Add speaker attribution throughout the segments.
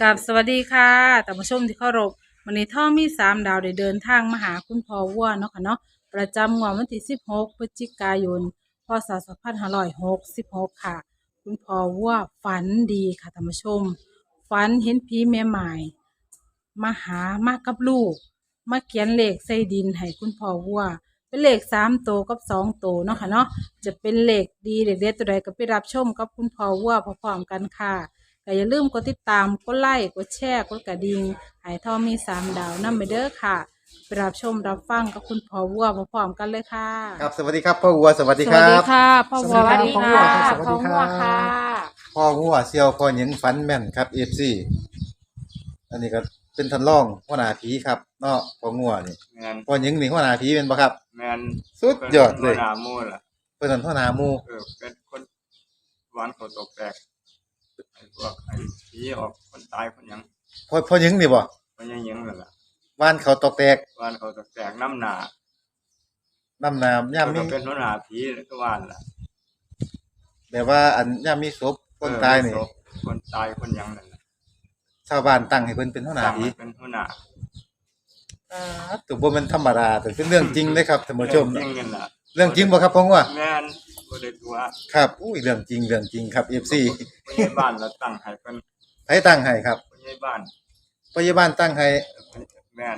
Speaker 1: กับสวัสดีค่ะท่านผู้ชมที่เคารพวันนี้ท่อมี3 ดาวได้เดินทางมาหาคุณพ่อวัวเนาะค่ะเนาะประจำงวดวันที่16พฤศจิกายนพศ2566ค่ะคุณพ่อวัวฝันดีค่ะท่านผู้ชมฝันเห็นผีแม่หมายมาหามากับลูกมาเขียนเลขใส่ดินให้คุณพ่อวัวเป็นเลข3 ตัวกับ2 ตัวเนาะค่ะเนาะจะเป็นเลขดีเลขเด็ดตัวใดก็ไปรับชมกับคุณพ่อวัวพร้อมๆกันค่ะ ก็อย่าลืมกดติดตามกดไลค์กดแชร์กดกระดิ่งให้ทอมี3 ดาวนำไปเด้อค่ะไปรับชมรับฟังกับคุณพ่อวัวพร้อมๆกันเลยค่ะ
Speaker 2: ครับสวัสดีครับพ่อวัวสวัสดี
Speaker 1: สวัสดี
Speaker 2: ครับ
Speaker 1: ค่ะพ่อวัว
Speaker 3: สวัสดีครับ
Speaker 1: พ่อวัวค่ะ
Speaker 2: พ่อวัวเซียวพ่อหญิงฟันแม่นครับFCอันนี้ก็เป็นทันร่องหัวหน้าผีครับเนาะพ่องัวนี่
Speaker 3: แมน
Speaker 2: พ่อหญิงนี่หัวหน้าผีเป็นบ่ครับ
Speaker 3: แมน
Speaker 2: สุดยอดเลย
Speaker 3: หนามูล่ะ
Speaker 2: เพิ่นนั่นหัวหน้าหมู่
Speaker 3: เป็นคนหวานเขาตกแตกไอ้พวกไอ้ผีออกคนตายคนหยัง
Speaker 2: พ่อหญิงนี่บ่
Speaker 3: คนยังนั่นล่ะ
Speaker 2: ว่านเขาตอกแตก
Speaker 3: หวานเขาตกแตกน้ำหนา
Speaker 2: น้ำน้ำย่ามมี
Speaker 3: ก็เป็นหัวหน้าผีก็หวานล่ะ
Speaker 2: แบบว่าอันย่ามมีศพคนตายนี่
Speaker 3: คนตายคนหยังนั่นล่ะ
Speaker 2: ชาวบ้านตั้งให้เพิ่นเป็นหัวหน้าผี
Speaker 3: เป็นหัวหน้า
Speaker 2: ตัวบ่แม่นธรรมดาแต่เป็นเรื่องจริงเลยครับท่านผู้ชม
Speaker 3: จริงกันล่ะ
Speaker 2: เรื่องจริงบ่ครับพ่องัว
Speaker 3: แมนบ่ได้ตัว
Speaker 2: ครับอุ้ยเรื่องจริงครับ FC
Speaker 3: ผู้ใหญ่บ้านเราตั้งให้เพิ่น
Speaker 2: ไผตั้งให้ครับ
Speaker 3: ผู้ใหญ่บ้าน
Speaker 2: ตั้งให้
Speaker 3: แมน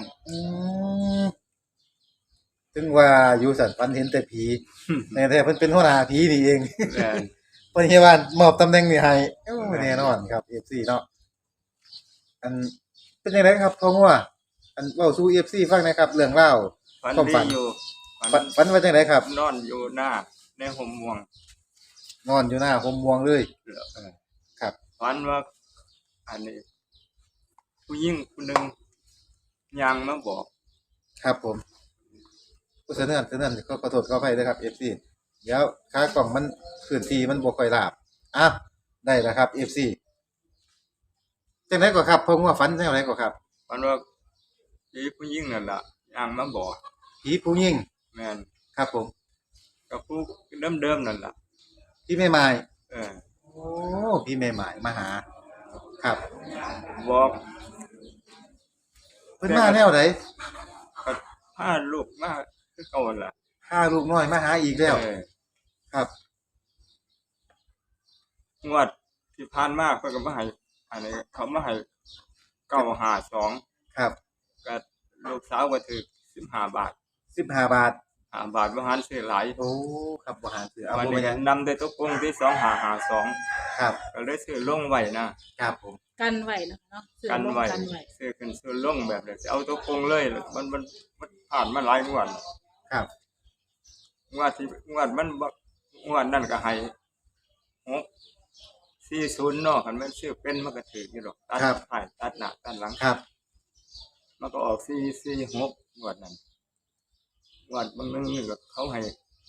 Speaker 2: ถึงว่าอยู่สันฝันเห็นแต่ผี แต่แท้เพิ่นเป็นหัวหน้าผีนี่เอง
Speaker 3: แม่น
Speaker 2: เพิ่นเฮ็ดว่ามอบตำแหน่งนี่ให้แน่นอนครับ FC เนาะอันเป็นจังไดครับพ่องัวอันเว้าสู่ FC ฟังหน่อยครับเรื่องราวความฝัน
Speaker 3: อยู่
Speaker 2: ฝันว่าจังไดครับ
Speaker 3: นอนอยู่หน้าในห่มม่วง
Speaker 2: นอนอยู่หน้าห่มม่วงเลยครับ
Speaker 3: ฝันว่าอันนี้ผู้หญิงคนหนึ่งยางมาบอก
Speaker 2: ครับผมผู้เสนอก็ขอโทษขออภัยด้วยครับ FC เดี๋ยวขากล่องมันพื้นที่มันบ่ค่อยราบอ่ะได้แล้วครับ FC จังได๋ก็ครับผมว่าฝันจังได๋ก็ครับ
Speaker 3: ฝันว่าผีผู้หญิงนั่นล่ะยางมาบอก
Speaker 2: ผีผู้หญิง
Speaker 3: แม่น
Speaker 2: ครับผม
Speaker 3: กับผู้เดิมนั่นล่ะ
Speaker 2: พี่แม่ไม้โอ้พี่แม่ไม้มาหาครับ
Speaker 3: บอก
Speaker 2: เพิ่นมาแนวใด
Speaker 3: ก็พาลูกมาคือเก่าล่ะ
Speaker 2: พาลูกน้อยมาหาอีกแล้วครับ
Speaker 3: งวดที่ผ่านมาเพิ่นก็มาให้อันนี้เขามาให้952
Speaker 2: ครับ
Speaker 3: ก็ลูกสาวก็ถูก15 บาท
Speaker 2: 15 บาท
Speaker 3: 5 บาทบ่หันซื้อหลาย
Speaker 2: โอ้ครับบ่หันซื้อเอา
Speaker 3: บ่ได้นำได้ตกลงที่2552
Speaker 2: ครับ
Speaker 3: ก็เลยซื้อลงไว้นะครับ
Speaker 2: ผม
Speaker 1: กันไว้เนาะ
Speaker 3: กันไว้ซื้อขึ้นซื้อลงแบบนี้สิเอาตกลงเลยมันผ่านมาหลายงวด
Speaker 2: ครับ
Speaker 3: งวดมันงวดนั่นก็ให้640เนาะคันมันซื้อเป็นมันก็ถูกอยู่ดอกตัดท้ายตัดหน้าตัดหลัง
Speaker 2: ครับ
Speaker 3: มันก็ออก446งวดนั้นงวดบางนึงนี่ก็เขาให้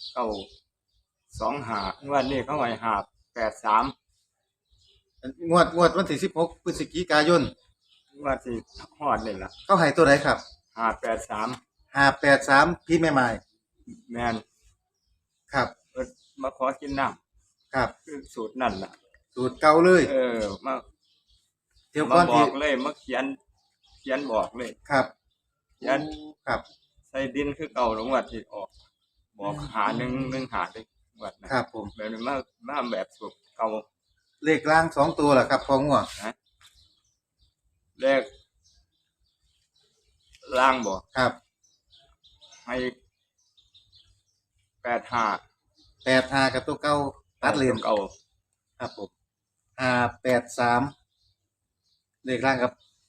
Speaker 3: 925งวดนี้เขาให้583
Speaker 2: งวดวันที่16พฤศจิกายน
Speaker 3: งวดที่ฮอดนี่ล่ะ
Speaker 2: เขาให้ตัวไหนครับ
Speaker 3: 583
Speaker 2: พี่แม่ไม้
Speaker 3: แม่น
Speaker 2: ครับ
Speaker 3: มาขอกินน้ำ
Speaker 2: ครับ
Speaker 3: คือสูตรนั่นล่ะ
Speaker 2: สูตรเก่าเลย
Speaker 3: มา
Speaker 2: เที่ยวก่อน
Speaker 3: บอกเลยมาเขียนบอกเลย
Speaker 2: ครับ
Speaker 3: เขียน
Speaker 2: ครับ
Speaker 3: ใส่ดินคือเก่าลงวัดที่ออกบอกหา1หาได้วัด
Speaker 2: นะครับผม
Speaker 3: แบบนี้มาแบบสูตรเก่า
Speaker 2: เลขล่าง2ตัวล่ะครับพ่องัว
Speaker 3: เลขล่างบ่
Speaker 2: ครับ
Speaker 3: ให้85
Speaker 2: กับตัวเก่าตัดเลน
Speaker 3: เก่า
Speaker 2: ครับผม583เลขล่างกับ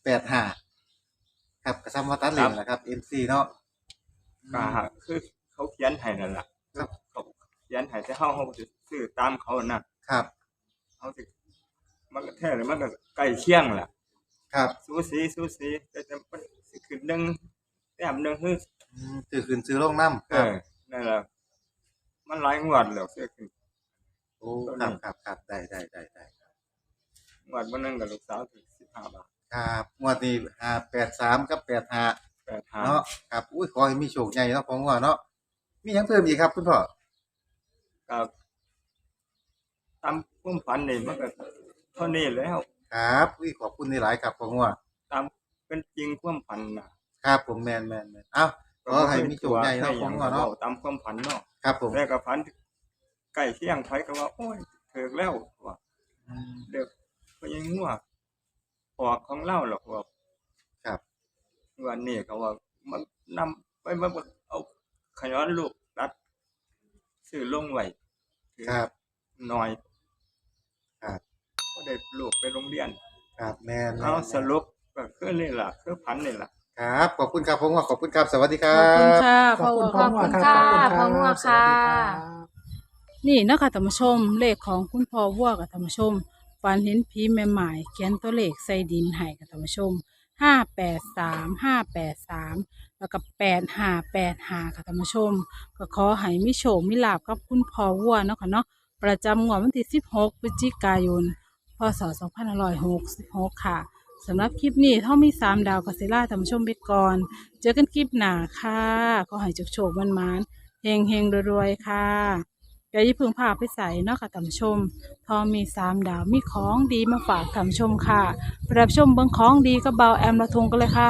Speaker 2: 85ครับก็ซ้ำว่าตัดเลนแหละครับ MC เนาะ
Speaker 3: ก็คือเขาเขียนให้นั่นล่ะ
Speaker 2: ครับ
Speaker 3: เขาเขียนให้แต่เฮาสิซื้อตามเขานะครับเฮาสิมันก็แท้เลยมันก็ใกล้เคียงแหละ
Speaker 2: ครับ
Speaker 3: สูสีแต่มันสิขึ้น1แต้ม1คือ
Speaker 2: ขึ้นซื้อลงนำ
Speaker 3: นั่นล่ะมันหลายงวดแล้วซื้อขึ้น
Speaker 2: โอ้ครับได้
Speaker 3: งวดบ่นึงก็ลูกสาวถูก15 บาท
Speaker 2: ครับงวดนี้583กับ85เนาะครับอุ้ยขอให้มีโชคใหญ่เนาะพ่องัวเนาะมีหยังเพิ่มอีกครับคุณพ่อ
Speaker 3: ก็ตามความฝันนี่มันก็เท่านี้แล้ว
Speaker 2: คครับอุ้ยขอบคุณหลายๆครับพ่องัว
Speaker 3: ตามเป็นจริงความฝันนะครับ
Speaker 2: ผมแม่นๆๆเอ้าขอให้มีโชคใหญ่เนาะพ่องัวเนาะ
Speaker 3: ตามความฝันเนาะ
Speaker 2: ครับผม
Speaker 3: แต่ก็ฝันใกล้เที่ยงไผก็ว่าโอ้ยถึกแล้วว่า
Speaker 2: อืม
Speaker 3: เด็กก็ยังงัวออกของเล่าหรอกว่า
Speaker 2: ครับ
Speaker 3: วันนี้ก็ว่ามันนำไปมาเอาขย้อนลูกรัดซื้อลงไว้ถือ
Speaker 2: ครับ
Speaker 3: หน่อย
Speaker 2: ครับ
Speaker 3: ก็ได้ลูกไปโรงเรียน
Speaker 2: ครับแม่น
Speaker 3: เอาสรุปก็คือนี่ล่ะคือพันนี่ล่ะ
Speaker 2: ครับขอบคุณครับพ่องัวขอบคุณครับ สวัสดีค
Speaker 1: ข
Speaker 2: รั
Speaker 1: อบคุณ
Speaker 2: บ
Speaker 1: ค่ะ
Speaker 4: ขอบคุณ
Speaker 1: พ่อ
Speaker 4: พ่อ
Speaker 1: วัว
Speaker 4: งัว
Speaker 1: ค่ะ
Speaker 4: ครับ
Speaker 1: พ่องัว
Speaker 4: สวัส
Speaker 1: ค่ะ
Speaker 4: ดีครับ
Speaker 1: นี่เนาะคะท่านผู้ชมเลขของคุณพ่อวัวกับท่านผู้ชมฝันเห็นผีแม่หมายเขียนตัวเลขใส่ดินให้กับท่านผู้ชม583แล้วก็8585ค่ะท่านผู้ชมก็ขอให้มีโชคมีลาภกับคุณพ่อวัวเนาะค่ะเนาะประจำงวดวันที่16พฤศจิกายนพศ2566ค่ะสำหรับคลิปนี้ถ้ามี3 ดาวกัสซิล่าท่านผู้ชมไปก่อนเจอกันคลิปหน้าค่ะขอให้โชคๆมันๆเฮงๆรวยๆค่ะ อย่าอย่าเพึ่งพาไปใส่เนาะค่ะท่านผู้ชม ทอมี3 ดาวมีของดีมาฝากท่านผู้ชมค่ะไปรับชมเบิ่งของดีกับเบาแอมละทงกันเลยค่ะ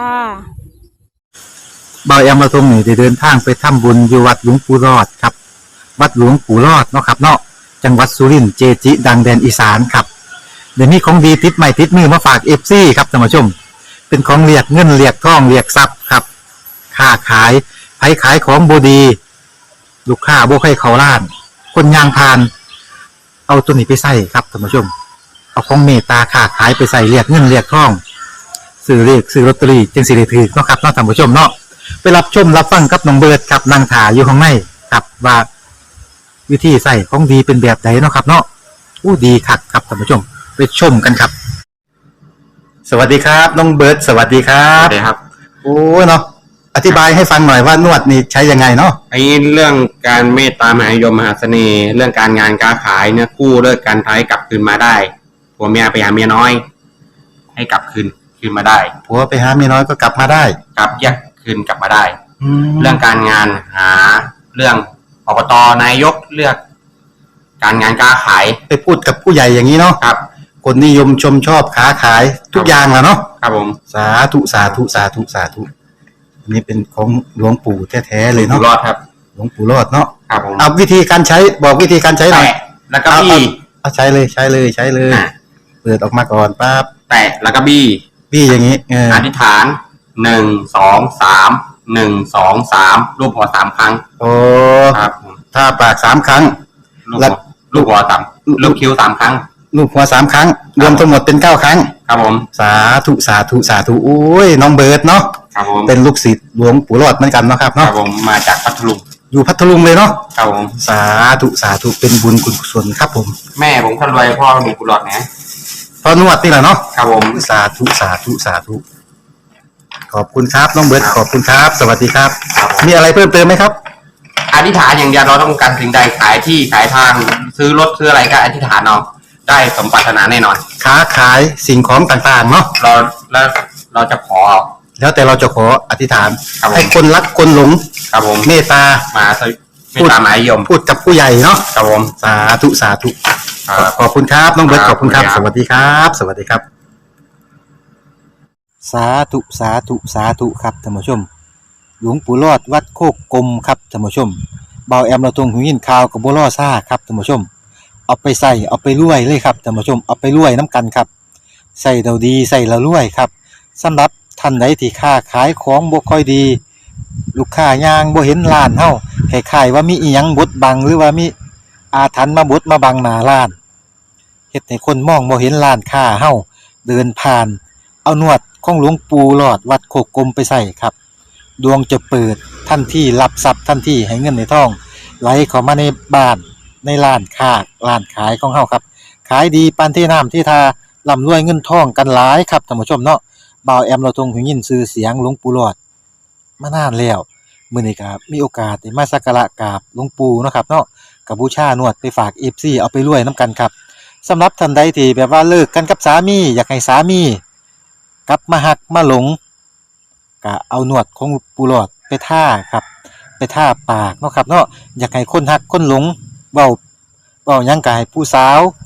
Speaker 5: บายอำมาตย์ทรงนี่ได้เดินทางไปทำบุญอยู่วัดหลวงปู่รอดครับ วัดหลวงปู่รอดเนาะครับเนาะจังหวัดสุรินทร์เจจิ ดังแดนอีสานครับเดี๋ยวนี้ของดีติดใหม่ติดมือมาฝากเอฟซีครับท่านผู้ชม เป็นของเรียกเงินเรียกทองเรียกทรัพย์ครับค้าขายไผขายของบดี ลูกค้าบ่ให้เขาล้าน คนยางพาน เอาตัวนี้ไปใส่ครับท่านผู้ชม เอาของเมตตาค้าขายไปใส่เรียกเงินเรียกทองซื้อเลขซื้อลอตเตอรี่จึงสิได้ถือเนาะครับเนาะท่านผู้ชมเนาะไปรับชมรับฟังกับน้องเบิร์ดครับนางถาอยู่ข้างในครับว่าวิธีใส่ของดีเป็นแบบไหนเนาะครับเนาะอู้ดีคักครับท่านผู้ชมไปชมกันครับ สวัสดีครับน้องเบิร์ดสวัสดีครั
Speaker 6: ครับ บครับ
Speaker 5: โอ้เนาะอธิบายให้ฟังหน่อยว่านวดนี่ใช้ยังไงเนาะ
Speaker 6: ไอ้เรื่องการเมตตามหานิยมมหาเสน่ห์ เรื่องการงานการขายเนี่ยกู้เลิกการท้ายกลับคืนมาได้ผัวเมียไปหาเมียน้อย ให้กลับคืนมาได้
Speaker 5: ผัวไปหาเมียน้อยก็กลับมาได้
Speaker 6: กลับแยกคืนกลับมาได้
Speaker 5: แล้
Speaker 6: เรื่
Speaker 5: ว
Speaker 6: องการงานหาเรื่องอบตนายกเลือก การงานการขาย
Speaker 5: ไปพูดกับผู้ใหญ่อย่างนี้เนาะ
Speaker 6: ครับ
Speaker 5: คนนิยมชมชอบค้าขายทุกอย่างแหล้วเนาะ
Speaker 6: ครับผม
Speaker 5: สาธุสาธุสาธุสาธุอันนี้เป็นของหลวงปู่แท้ๆเลย
Speaker 6: อยู่
Speaker 5: เนาะ
Speaker 6: รอดครับ
Speaker 5: หลวงปู่รอดเนาะ
Speaker 6: ครับผม
Speaker 5: เอาวิธีการใช้บอกวิธีการใช้หน่อย
Speaker 6: แตะแล้วก็บี้
Speaker 5: เอาใช้เลยใช้เลยใช้เลย
Speaker 6: อ่ะ
Speaker 5: เปิดออกมาก่อนปั๊บ
Speaker 6: แตะแล้วก็บี้
Speaker 5: พี่อย่างนี้เออ
Speaker 6: อธิษฐาน1 2 3 1 2 3รูปหัว3ครั้ง
Speaker 5: โอ้
Speaker 6: ครับผม
Speaker 5: ถ้าปาก3 ครั้ง
Speaker 6: ลูก
Speaker 5: แล้
Speaker 6: หั
Speaker 5: ว
Speaker 6: วลูกหัวต่ำลูกคิ้ว3ครั้ง
Speaker 5: ลูกหัว3 ครั้ง รวมทั้งหมดเป็น9 ครั้ง
Speaker 6: ครับผม
Speaker 5: สาธุสาธุสาธุโอ้ยน้องเบิร์ดเนาะ
Speaker 6: ครับผม
Speaker 5: เป็นลูกศิษย์หลวงปู่รอดเหมือนกันเนาะครับ
Speaker 6: ครับ
Speaker 5: เนาะ
Speaker 6: ผมมาจากพัทลุง
Speaker 5: อยู่พัทลุงเลยเนาะ
Speaker 6: ครับผม
Speaker 5: สาธุสาธุเป็นบุญกุศลครับผม
Speaker 6: แม่ผมคนรวยพ่อมีกุหลาบนะ
Speaker 5: พอนวดนี่แหละเนาะ
Speaker 6: ครับผม
Speaker 5: สาธุสาธุสาธุขอบคุณครับน้องเบิร์ดขอบคุณครับ สวัสดีครับ
Speaker 6: ครับผม
Speaker 5: มีอะไรเพิ่มเติมไหมครับ
Speaker 6: อธิษฐานอย่างเดียวเราต้องการสิ่งใดขายที่ขายทางซื้อรถซื้ออะไรก็อธิษฐานเอาได้สมปรารถนาแน่นอน
Speaker 5: ค้าขายสิ่งของต่างๆเนาะ
Speaker 6: เราจะขอ
Speaker 5: แล้วแต่เราจะขออธิษฐาน
Speaker 6: ครับผม
Speaker 5: ให้คนรักคนหลง
Speaker 6: ครับผม
Speaker 5: เมตตา
Speaker 6: มาสไม่ตามหมายยม
Speaker 5: พูดกับผู้ใหญ่เนาะ
Speaker 6: ครับผม
Speaker 5: สาธุสาธุ
Speaker 6: ครับ
Speaker 5: ขอบคุณครับน้องเบิร์ต
Speaker 6: ค
Speaker 5: ข
Speaker 6: รับ
Speaker 5: อบคุณครับ
Speaker 6: ขอบ
Speaker 5: ส
Speaker 6: คุณครับ
Speaker 5: วัสดีครับ สวัสดีครับ สาธุสาธุสาธุครับท่านผู้ชม หลวงปู่รอดวัดโคกกลมครับท่านผู้ชมเบาแอมเราตรงหูยินข่าวกับบัวล่อซ่าครับท่านผู้ชม เอาไปใส่เอาไปรวยเลยครับท่านผู้ชมเอาไปรวยน้ำกันครับใส่เราดีใส่เรารวยครับสำหรับท่านใดที่ค้าขายของบ่ค่อยดี ลูกค้ายางบ่เห็นร้านเฮาคล้ายๆว่ามีอีหยังบดบังหรือว่ามีอาถรรพ์มาบดมาบังหน้าร้านเฮ็ดให้คนมองบ่เห็นร้านค้าเฮาเดินผ่าน เอานวดของหลวงปู่หลอดวัดโคกกลมไปใส่ครับดวงจะเปิดทันทีรับทรัพย์ทันทีให้เงินในท้องไหลเข้ามาในบ้านในร้านค้าร้านขายของเฮาครับขายดีปานที่น้ำที่ทาร่ำรวยเงินทองกันหลายครับท่านผู้ชมเนาะบ่าวแอมเราทรงหูยินชื่อเสียงหลวงปู่หลอดมานานแล้วมื้อนี้ก็มีโอกาสได้มาสักการะกราบหลวงปู่เนาะครับเนาะก็บูชานวดไปฝาก FC เอาไปรวยนํกันครับสำหรับท่านใดที่แบบว่าเลิกกันกับสามีอยากให้สามีกลับมาหักมาหลงก็เอานวดของปู่หลอดไปท่าครับไปท่าปากเนาะครับเนาะอยากให้คนหักคนหลงเว้าหยังก็ให้ผู้สาว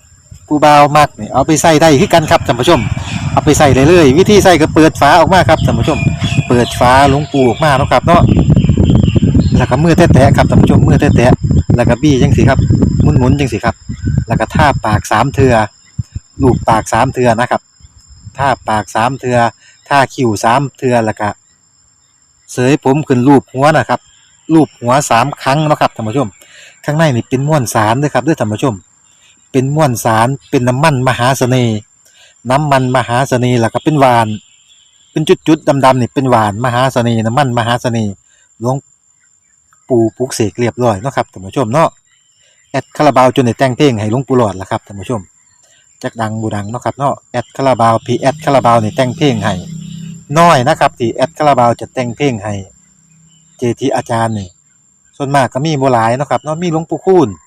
Speaker 5: ผู้บ่าวมักนี่เอาไปใส่ได้คือกันครับท่านผู้ชมเอาไปใส่เลยเลยวิธีใส่ก็เปิดฝาออกมาครับท่านผู้ชมเปิดฝาหลวงปูออกมาเนาะครับเนาะแล้วก็มือแตะๆครับท่านผู้ชมมือแตะๆแล้วก็บี้จังสิครับหมุนๆจังสิครับแล้วก็ทาปาก3เทื่อลูบปาก3เทื่อนะครับทาปาก3เทื่อทาคิ้ว3เทื่อแล้วก็เสยผมขึ้นรูปหัวนะครับรูปหัว3ครั้งเนาะครับท่านผู้ชมข้างในนี่เป็นม้วนสารเด้อครับเด้อท่านผู้ชมเป็นม้วนสารเป็นน้ำมันมหาเสน่ห์น้ำมันมหาเสน่ห์แล้วก็เป็นหวานเป็นจุดๆดำๆนี่เป็นหวานมหาเสน่ห์น้ำมันมหาเสน่ห์หลวงปู่ปลุกเสกเรียบร้อยเนาะครับท่านผู้ชมเนาะแอดคาราบาวจนได้แต่งเพลงให้หลวงปู่หลอดล่ะครับท่านผู้ชมจักดังบ่ดังเนาะครับเนาะแอดคาราบาวพี่แอดคาราบาวนี่แต่งเพลงให้น้อยนะครับที่แอดคาราบาวจะแต่งเพลงให้เจทีอาจารย์นี่ส่วนมากก็มีบ่หลายเนาะครับเนาะมีหลวงปู่คูณ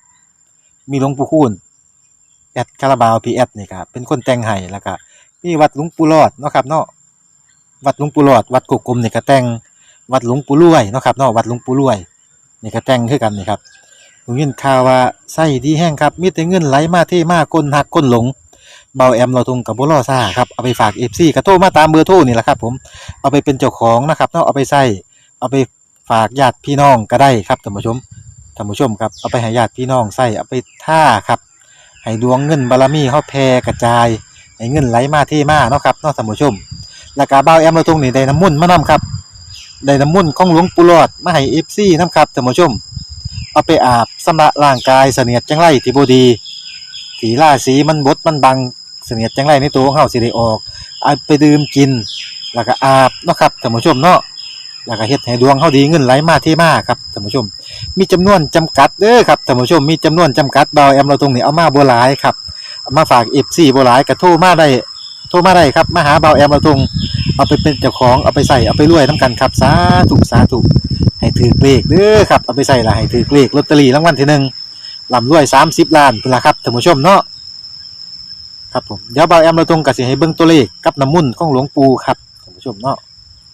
Speaker 5: แอดคาราบาวพีแอดนี่ครับเป็นคนแต่งให้แล้วก็มีวัดหลวงปู่รอดเนาะครับเนาะวัดหลวงปู่รอดวัดกุกกลมนี่ก็แต่งวัดหลวงปู่รวยเนาะครับเนาะวัดหลวงปู่รวยนี่ก็แต่งคือกันนี่ครับผมยินข่าวว่าไส้ดีแห้งครับมีแต่เงินไหลมาเทมาคนหักคนหลงเบาแอมเราทุงกับบ่รอซ่าครับเอาไปฝาก FC ก็โทรมาตามเบอร์โทรนี่แหละครับผมเอาไปเป็นเจ้าของนะครับเนาะเอาไปใส่เอาไปฝากญาติพี่น้องก็ได้ครับท่านผู้ชมครับเอาไปให้ญาติพี่น้องใส่เอาไปท่าครับให้ดวงเงินบารมีเฮาแผ่กระจายให้เงินไหลมาเทมาเนาะครับเนาะท่านผู้ชมแล้วก็บ่าวแอมเราตรงนี้ได้น้ำมนต์มานํครับได้น้ำมนต์ของหลวงปู่หลอดมาให้ FC นํครับท่านผู้ชมเอาไปอาบชำระร่างกายเสนียดจังไรที่บ่ดีที่ราศีมันบดมันบังเสนียดจังไรในตัวของเฮาสิได้ออกเอาไปดื่มกินแล้วก็อาบเนาะครับท่านผู้ชมเนาะแล้วก็เฮ็ดให้ดวงเฮาดีเงินไหลมาเทมาครับท่านผู้ชมมีจำนวนจำกัดเด้อครับท่านผู้ชมมีจำนวนจำกัดบ่าวแอมเราตรงนี้เอามาบ่หลายครับเอามาฝาก FC บ่หลายก็โทรมาได้ครับมาหาบ่าวแอมเราตรงเอาไปเป็นเจ้าของเอาไปใส่เอาไปรวยนํกันครับสาธุให้ถือเลขเด้อครับเอาไปใส่ละให้ถือเลขลอตเตอรี่รางวัลที่1ร่ำรวย30ล้านพุ่นล่ะครับท่านผู้ชมเนาะครับผมเดี๋ยวบ่าวแอมเราตรงก็สิให้เบิ่งตัวเลขกับน้ำมนต์ของหลวงปู่ครับท่านผู้ชมเนาะ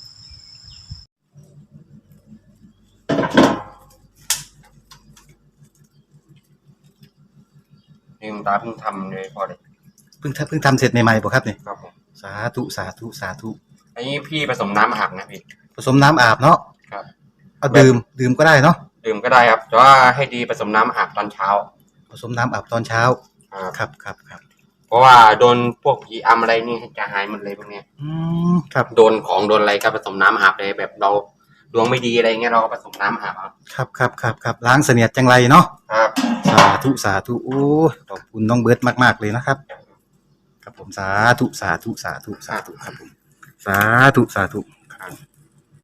Speaker 6: นี่หลวงตาเพิ่งทำเลยพอเลย
Speaker 5: เพิ่งทำเสร็จใหม่ๆบ่ครับนี่
Speaker 6: ครับผม
Speaker 5: สาธุ
Speaker 6: อันนี้พี่ผสมน้ำอาบนะพี่
Speaker 5: ผสมน้ำอาบเนาะ
Speaker 6: ครับ
Speaker 5: เอาดื่มก็ได้เนาะ
Speaker 6: ดื่มก็ได้ครับแต่ว่าให้ดีผสมน้ำอาบตอนเช้า
Speaker 5: ผสมน้ำอาบตอนเช้า
Speaker 6: ครับ
Speaker 5: ครับ
Speaker 6: เพราะว่าโดนพวกผีอำอะไรนี่จะหายหมดเลยพวกเนี้ย
Speaker 5: ครับ
Speaker 6: โดนของโดนอะไรก็ผสมน้ำอาบเลยแบบเราดวงไม่ดีอะไรเงี้ยเราก็ผสมน้ำอาบเอา
Speaker 5: ครับล้างเสนียดจังไรเนาะ
Speaker 6: ครับ
Speaker 5: สาธุโอ้ขอบคุณน้องเบิร์ตมากๆเลยนะครับครับผมสาธุครับผมสาธุครับ